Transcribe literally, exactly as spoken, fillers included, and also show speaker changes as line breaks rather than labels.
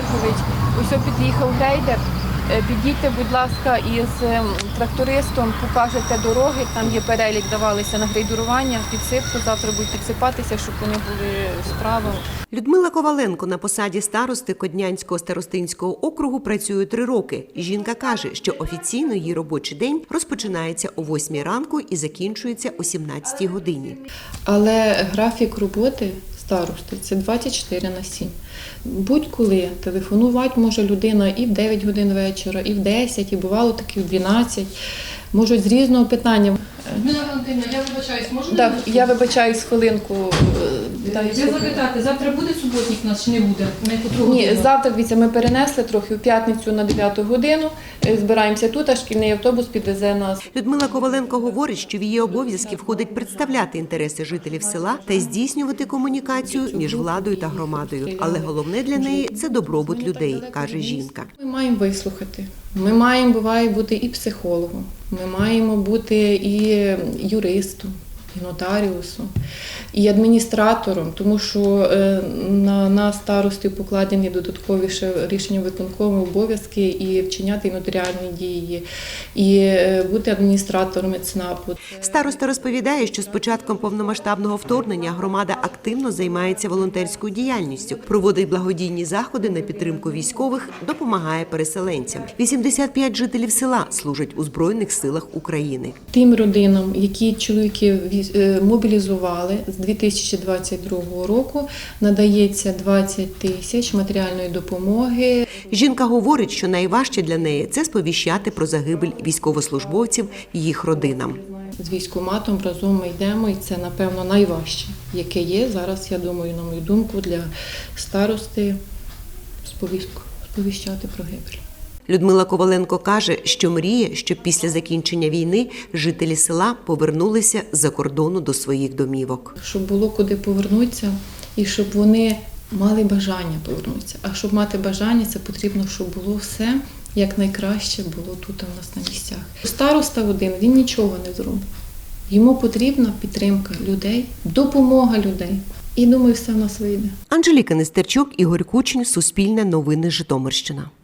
Георгович, ось під'їхав грейдер. Підійдьте, будь ласка, із трактористом, покажете дороги, там є перелік, давалися на грейдерування, підсипку, завтра будуть підсипатися, щоб вони були справи.
Людмила Коваленко на посаді старости Коднянського старостинського округу працює три роки. Жінка каже, що офіційно її робочий день розпочинається о восьмій ранку і закінчується о сімнадцятій годині.
Але графік роботи старости – це двадцять чотири на сім. Будь-коли телефонувати може людина і в дев'ять годин вечора, і в десять, і бувало таки в дванадцять. Можуть з різного питання.
Людмила Валентинівна, я вибачаюсь, можна?
Так, я вибачаюсь хвилинку.
Я запитати, завтра буде суботник у нас чи не буде? На яку
Ні,
годину?
завтра, дивіться, ми перенесли трохи в п'ятницю на дев'яту годину. Збираємося тут, а шкільний автобус підвезе нас.
Людмила Коваленко говорить, що в її обов'язки входить представляти інтереси жителів села та здійснювати комунікацію між владою та громадою. Але головне для неї – це добробут людей, каже жінка.
Ми маємо вислухати. Ми маємо, буває, бути і психологом, ми маємо бути і юристом, і нотаріусом, і адміністратором, тому що на нас, старостів, покладені додаткові ще рішення виконкому обов'язки і вчиняти і нотаріальні дії, і бути адміністратором ЦНАПу.
Староста розповідає, що з початком повномасштабного вторгнення громада активно займається волонтерською діяльністю, проводить благодійні заходи на підтримку військових, допомагає переселенцям. вісімдесят п'ять жителів села служать у Збройних силах України.
Тим родинам, які чоловіки мобілізували з дві тисячі двадцять другого року, надається двадцять тисяч матеріальної допомоги.
Жінка говорить, що найважче для неї – це сповіщати про загибель військовослужбовців їх родинам.
З військкоматом разом ми йдемо, і це, напевно, найважче, яке є зараз, я думаю, на мою думку, для старости сповіщати про гибель.
Людмила Коваленко каже, що мріє, щоб після закінчення війни жителі села повернулися з-за кордону до своїх домівок.
Щоб було куди повернутися і щоб вони мали бажання повернутися. А щоб мати бажання, це потрібно, щоб було все як найкраще було тут у нас на місцях. Староста один, він нічого не зробить. Йому потрібна підтримка людей, допомога людей. І думаю, все в нас вийде.
Анжеліка Нестерчук, Ігор Кучин, Суспільне новини, Житомирщина.